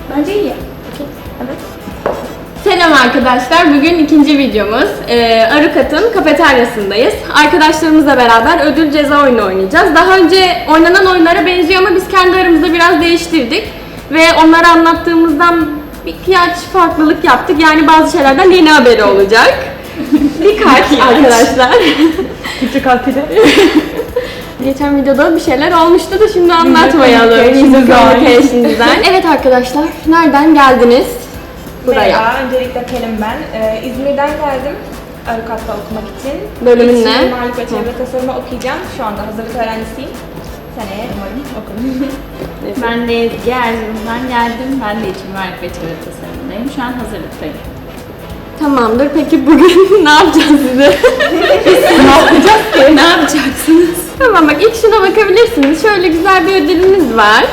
Bence iyi. Evet. Selam arkadaşlar. Bugün ikinci videomuz. Arukat'ın kafeteryasındayız. Arkadaşlarımızla beraber ödül ceza oyunu oynayacağız. Daha önce oynanan oyunlara benziyor ama biz kendi aramızda biraz değiştirdik. Ve onlara anlattığımızdan birkaç farklılık yaptık. Yani bazı şeylerden yeni haberi olacak. Birkaç arkadaşlar. Küçük harfleri. Geçen videoda bir şeyler olmuştu da şimdi anlatmayalım. Communication'dan. Evet arkadaşlar, nereden geldiniz? Buraya. Merhaba, öncelikle Pelin ben. İzmir'den geldim Arukat'ta okumak için. Bölümün İç ne? Mimarlık ve Çevre Tasarımı okuyacağım. Şu anda hazırlık öğrencisiyim. Seneye umarım okurum. Ben de Ezgi Erzurum'dan geldim. Ben de iç mimarlık ve çevre tasarımındayım. Şu an hazırlıktayım. Tamamdır. Peki bugün ne yapacağız size? Ne yapacağız ki? Ne yapacaksınız? Tamam bak ilk şuna bakabilirsiniz. Şöyle güzel bir ödülümüz var.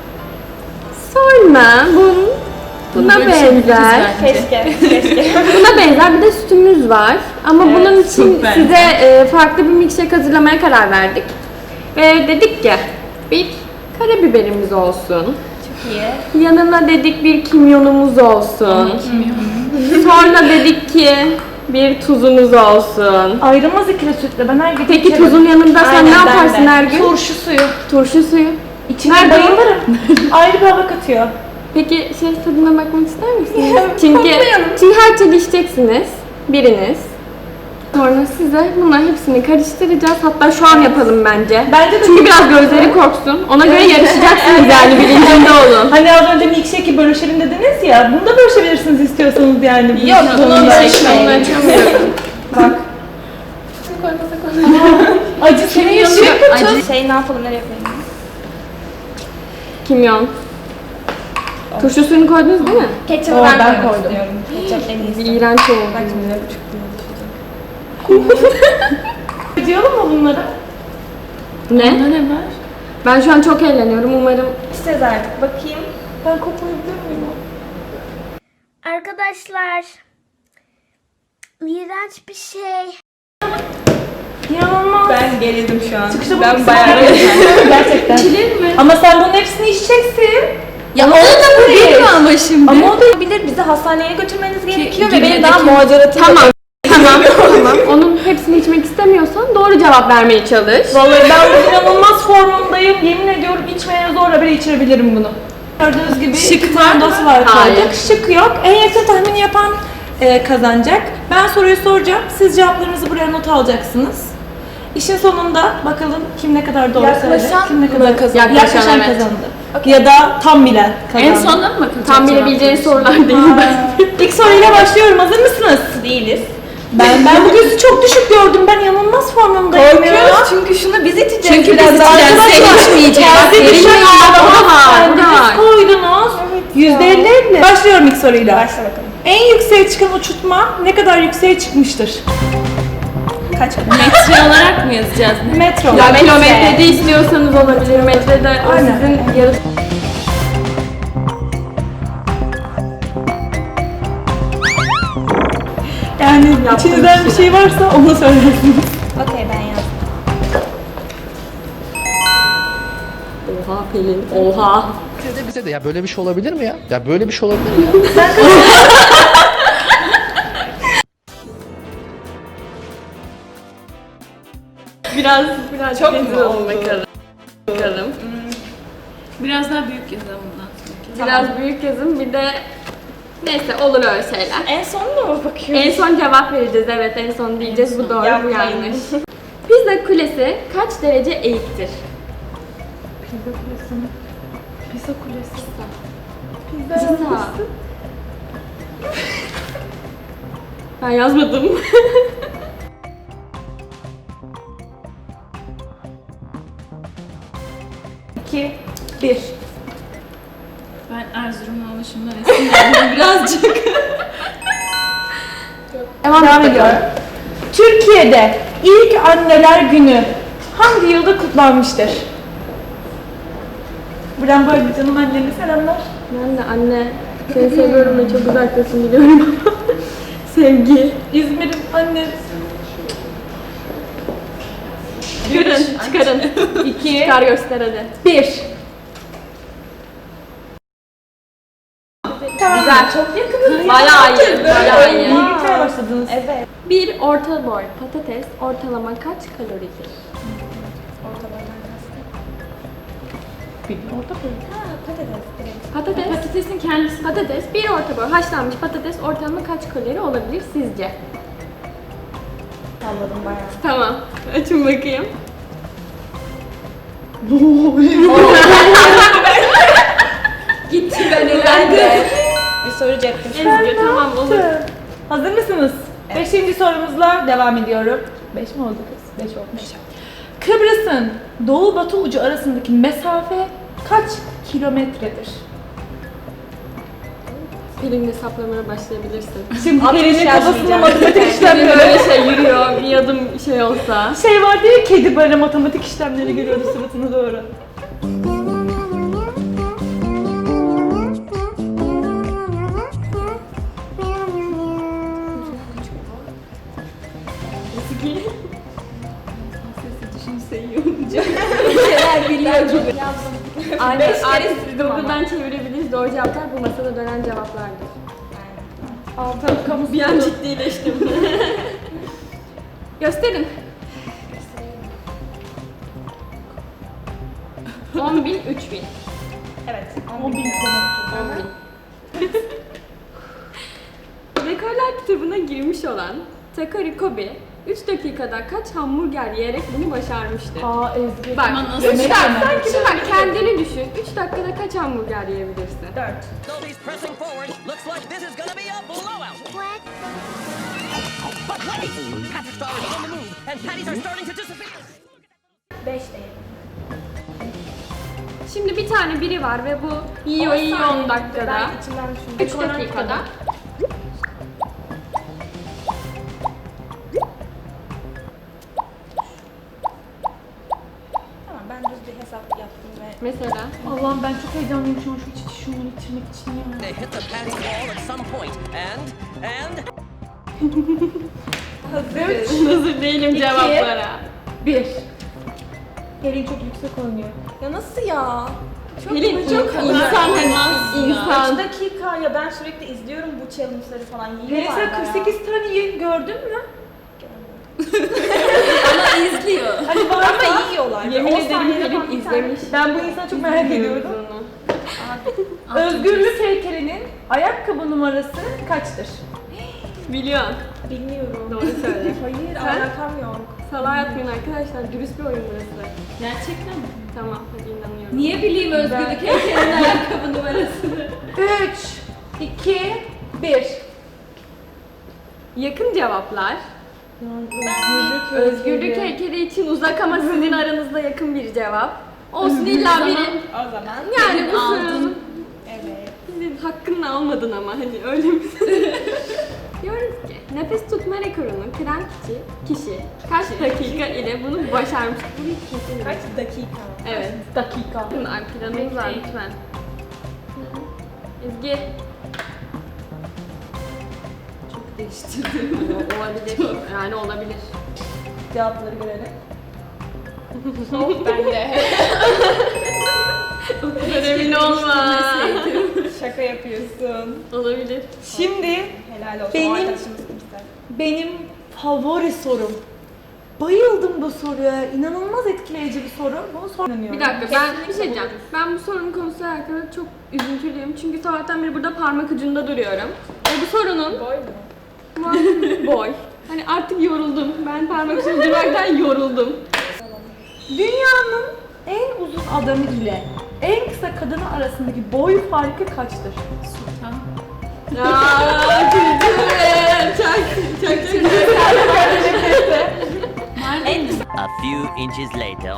Sonra buna benzer. Keşke. Buna benzer bir de sütümüz var. Ama Evet, bunun için süper. size farklı bir milkshake hazırlamaya karar verdik. Ve dedik ki bir karabiberimiz olsun. Çok iyi. Yanına dedik bir kimyonumuz olsun. Sonra dedik ki bir tuzumuz olsun. Ayrılmaz ikili sütle. Ben her gün Peki içerim. tuzun yanında sen Aynen, ne ben yaparsın de. her gün? Turşu suyu. Turşu suyu. İçine Nerede o? bayılırım. Ayrı bir hava katıyor. Peki tadına bakmak ister misiniz? çünkü her türlü içeceksiniz. Biriniz. Sonra size bunların hepsini karıştıracağız. Hatta şu an yapalım bence. Bence de Çünkü biraz gözleri korksun. Ona göre yarışacaksınız yani bilincinde olun. Hani az önce milkshake'i bölüşelim dediniz ya. Bunu da bölüşebilirsiniz istiyorsanız yani. Yok, bunu Bununla. bölüşmeyin. Bak. Acı senin yaşıyor kötü. Şey ne yapalım, nereye yapalım? Kimyon. Turşu suyunu koydunuz değil mi? Ketçap'ı Oo, ben ben koymak koydum. istiyorum. Ketçap en iyisi. İğrenç oldu. Bak şimdi ne buçuk diyor. Diyorum mu bunları? Ne? ne var? Ben şu an çok eğleniyorum. Umarım İçeceğiz artık. Bakayım. Ben koklayabilir miyim? Arkadaşlar, iğrenç bir şey. İnanılmaz. Ben gerildim şu an. Çıkışta Ben bunu bayağı kısmı- Gerçekten. Ama sen bunun hepsini içeceksin. Ya o da değil mi ama şimdi. Ama o da Olabilir, bizi hastaneye götürmeniz gerekiyor ve gibi benim de daha kim- muhaceratım Tamam. Tamam. Onun hepsini içmek istemiyorsan doğru cevap vermeye çalış. Vallahi ben bu inanılmaz formundayım. Yemin ediyorum içmeye zorla bile içirebilirim bunu. Gördüğünüz gibi şık mandası var Hayır. koyduk. Şık yok. En yakın tahmini yapan kazanacak. Ben soruyu soracağım. Siz cevaplarınızı buraya not alacaksınız. İşin sonunda bakalım kim ne kadar doğru söyledi, Yaklaşan kim ne kadar kazandı? Yaklaşan Evet. kazandı. Ya da tam bilen kazandı. En sonunda mı bakılacak? Tam bilebileceğin sorular değil. İlk soruyla başlıyorum. Hazır mısınız? değiliz. Ben bu gözü çok düşük gördüm. Ben inanılmaz formumdayım ya. çünkü şunu biz içeceğiz. Çünkü biraz biz daha. içeceğiz, sen içmeyeceksin. Kendi Senin düşük yanında o da var, o da kendiniz var. koydunuz. %50. Başlıyorum ilk soruyla. Başla bakalım. En yükseğe çıkan uçurtma ne kadar yükseğe çıkmıştır? Kaç adım? Metre olarak mı yazacağız? Metro. Ya kilometrede istiyorsanız olabilir. Metrede o Aynen. sizin yarı... Yani içinizden bir şey varsa onu söylersiniz. Okey, ben yazdım. Oha Pelin, oha. Bize de ya böyle bir şey olabilir mi ya? Ya böyle bir şey olabilir mi ya? Biraz çok rezil olun bakalım. Biraz daha büyük yazalım bundan sonra. Biraz büyük yazın bir de neyse olur öyle şeyler. En sonunda mı bakıyoruz? En son cevap vereceğiz evet en son diyeceğiz bu doğru bu Yapmayın. yanlış. Pisa Kulesi kaç derece eğiktir? Pisa kulesi. Pisa. Ben yazmadım. 2, 1. Ben Erzurumlu oluşumdan esinlendim birazcık. Devam ediyorum. Türkiye'de ilk anneler günü hangi yılda kutlanmıştır? Buradan böyle canım annene selamlar. Ben de anne seni seviyorum ve çok uzaktasın biliyorum ama sevgi. İzmir'in annesi. Görün, çıkarın. 2, Çıkar göster hadi. 1. Güzel. Çok yakınız. Bayağı iyi. Bayağı iyi. İyi gitmeye başladınız. Evet. Bir orta boy patates ortalama kaç kaloridir? Orta boydan kastım. Bir orta boy. Ha, patates direkt. Patates. Patatesin kendisi. Patates, bir orta boy haşlanmış patates ortalama kaç kalori olabilir sizce? Salladım bayağı. Tamam. Açın bakayım. Gitti ben eğlendim. Bir soru ceptim. Ezgi tamam olur. Hazır mısınız? Beşinci sorumuzla devam ediyorum. 5 mi oldu kız? 5 olmuş. Kıbrıs'ın doğu batı ucu arasındaki mesafe kaç kilometredir? Pelin hesaplamaya başlayabilirsin. Şimdi Pelin'in kafasında yazmayacağım. matematik işlemleri. Böyle şey yürüyor, bir adım şey olsa. Şey vardı ya, kedi böyle matematik işlemleri görüyordu suratına doğru. Şeyler biliyor gibi. Aynen, Beş kere artık sildim ama. Google'dan çevirebiliriz. Doğru cevaplar bu masada dönen cevaplardır. Altın kamu Bir an ciddileştim. Gösterin. 10.000, 3.000. Evet. 10.000 kilometre. 10.000. Rekorlar kitabına girmiş olan Takari Kobe 3 dakikada kaç hamburger yiyerek bunu başarmıştı? Aa Ezgi. Bak, Ama nasıl 3 yemek dakika, yemek sanki bak kendini düşün. 3 dakikada kaç hamburger yiyebilirsin? 4. Dolby's pressing forward. Looks like this is gonna be a blowout. But wait! Patrick Star is on the move, and patties are starting to disappear. 5 değil. Şimdi bir tane biri var ve bu yiyor 10 dakikada. Ben içimden düşündüm. 3 dakikada. Tamam, ben düz bir hesap yaptım ve Mesela. Allah'ım ben çok heyecanlıyım şu an şu şunları bitirmek için ya. They hit the patty wall at some point, and Hazır değilim cevaplara. 1. Pelin çok yüksek oynuyor. ya nasıl ya? Pelin çok insan hani insan. 3 dakika ya, ben sürekli izliyorum bu challenge'ları falan. Pelin Yiyorlar sen bayağı. 48 tane yayın gördün mü? İzliyor. Hani var Ama yiyorlar. Yemin On ederim saniyede Pelin falan bir izlemiş. Ben bu insanı çok merak ediyorum. Özgürlük heykelinin ayakkabı numarası kaçtır? Biliyorsun. tane. Bilmiyorum. Doğru söyle. Hayır, Sen? alakam yok. Salağa atmayın arkadaşlar. Dürüst bir oyun burası. Gerçekten mi? Tamam hadi inanıyorum. Niye bileyim özgürlük heykelinin ayakkabı numarasını? 3, 2, 1. Yakın cevaplar. Özgürlük heykeli için uzak ama sizin aranızda yakın bir cevap. Olsun illa biri. O zaman. Yani bu aldın. sorunun Evet. sizin hakkını almadın ama hani öyle mi? Diyoruz ki nefes tutma rekorunu kıran kişi kaç dakika ile bunu başarmış? Bu bir kesin. Kaç dakika? Evet. Dakika. Bakın planımız var lütfen. Ezgi. Çok değiştirdim. Olabilir. Yani olabilir. Cevapları görelim. Soğuk bende. O kadar emin olma. Şaka yapıyorsun. Olabilir. Şimdi Helal olsun. Benim- O arkadaşımız kimse. benim favori sorum. Bayıldım bu soruya. İnanılmaz etkileyici bir soru. Bunu sormuyorum. Bir dakika ben bir şey diyeceğim. Ben bu sorunun konusuyla alakalı çok üzüntülüyüm. Çünkü sabahtan beri burada parmak ucunda duruyorum. Ve bu sorunun Boy mu? boy. Hani artık yoruldum. Ben parmak ucunda durmaktan yoruldum. Dünyanın en uzun adamı ile en kısa kadını arasındaki boy farkı kaçtır? Sultan. Aaa kültür. Çok A few inches later.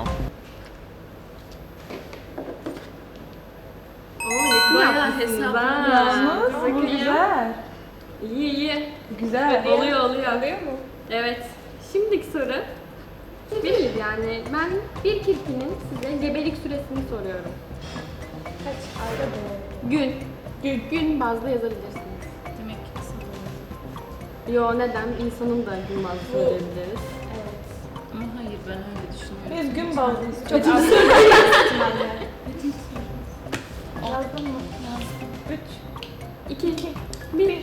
Oo yakın Bayağı yapmışsınız hesaplı. ha. Yalnız bu Bakayım. güzel. İyi iyi. Güzel. Oluyor oluyor. Alıyor mu? Evet. Şimdiki soru. Bir yani ben bir kirpinin size gebelik süresini soruyorum. Kaç ayda doğru? Gün. Gün bazlı yazabilirsiniz. Demek ki sanırım. Yo neden? İnsanın da gün bazlı söyleyebiliriz. Evet. Ama hayır ben öyle düşünüyorum. Biz gün bazlıyız. Çok az ihtimalle. Yazdın mı? 3, 2, 1.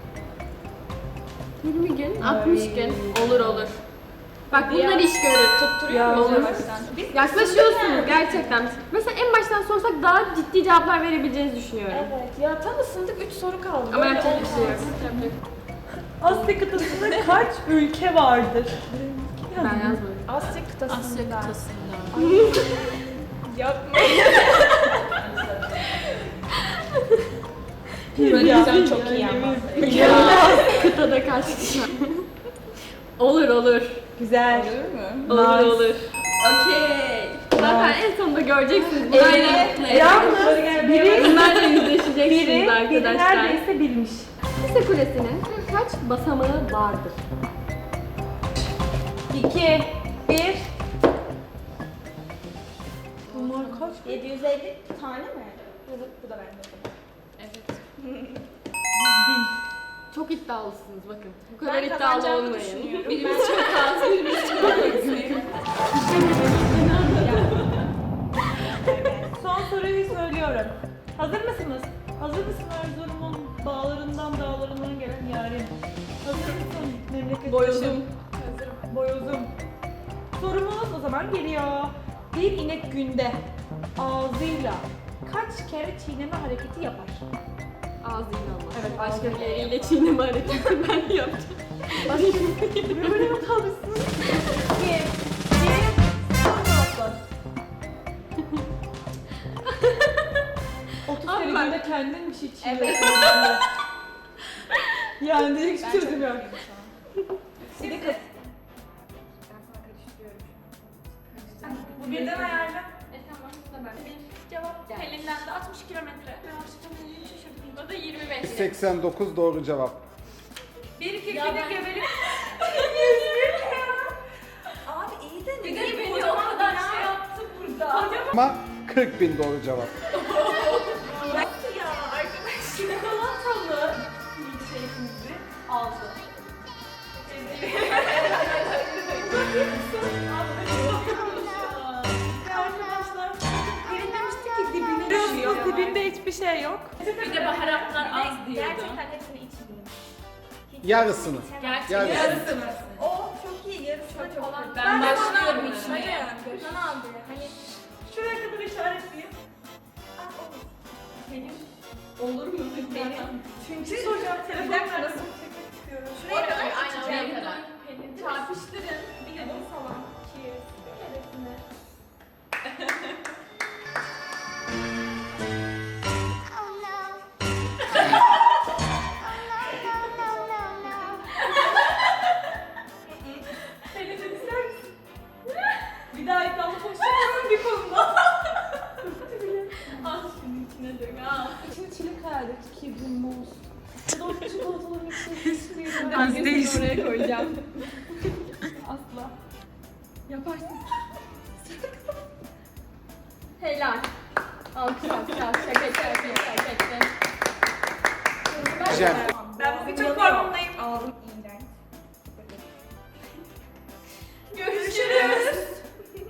20 gün, 60 gün. Olur olur. Bak bunlar iş görür. Tutturuyor muyuz Olur. yavaştan? Biz Yaklaşıyorsunuz gerçekten. Mesela en baştan sorsak daha ciddi cevaplar verebileceğinizi düşünüyorum. Evet. Ya tam ısındık 3 soru kaldı. Ama Böyle yapacak bir şey yok. olmaz. Asya kıtasında kaç ülke vardır? Ben yazmadım. Asya kıtasında. Asya kıtasında. Yapma. Böyle çok iyi ama. Kıtada kaç kişi var? Olur olur. Güzel. Olur Nice. olur. Okey. Zaten en sonunda göreceksiniz. Yalnız biri Bunlarla yüzleşeceksiniz biri arkadaşlar. neredeyse bilmiş. Pisa Kulesi'nin kaç basamağı vardır? 2, 1. Bunlar kaç? 750 tane mi? Bu da bende. Çok iddialısınız bakın. Bu kadar Ben iddialı kazanacağımı olmayın. düşünüyorum. Birimiz çok az, birimiz çok az. Son soruyu söylüyorum. Hazır mısınız? Hazır mısın Erzurum'un bağlarından dağlarından gelen yarim? Hazır mısın memleket Boyozum. Hazırım. Boyozum. Sorumuz o zaman geliyor. Bir inek günde ağzıyla kaç kere çiğneme hareketi yapar? Ağzıyla ama. Evet, Başka bir yeriyle çiğneme hareketi ben yapacağım. Böyle mi kalmışsın? 2, 1, cevaplar. 30 Abi kere bak- günde kendin bir şey çiğniyorsun. Yani direkt hiç çözüm yok. Şimdi kız. Ben sana karıştırıyorum. Bu birden ayarla. Cevap Pelin'den de 60 kilometre. Bu da 25. 89 doğru cevap. Bir kirpide gebelik. Abi iyi de Bir de beni o kadar şey yaptı burada. Ama 40.000 doğru cevap. Çikolatalı milkshake'imizi aldı. Arkadaşlar, Pelin demişti ki dibine düşüyor. Dibinde hiçbir şey yok. Bir de baharatlar az diyordu. Gerçekten hepsini içmiyorum. Yarısını. Gerçekten. Yarısını. O çok iyi. Yarısı da çok iyi. Ben başlıyorum Hadi içmeye. yani. Gökhan abi. Hani Şuraya kadar işaretleyeyim. Olur mu? Çünkü soracağım telefon nasıl? şuraya kadar Aynen oraya içeceğim. kadar. Çarpıştırın. Bir de bunu falan. Cheers. Şöylesine. Bir daha iddialı konuşalım bir konuda. Al şunun içine dök al. Şimdi çilek hayal et ki bu muz. Ya da o çikolatalı milkshake istiyorum. Ben seni oraya koyacağım. Asla. Yaparsın. Helal. Alkış alkış alkış. Şaka şaka şaka şaka. Cem. Ben bugün çok formundayım. Ağzım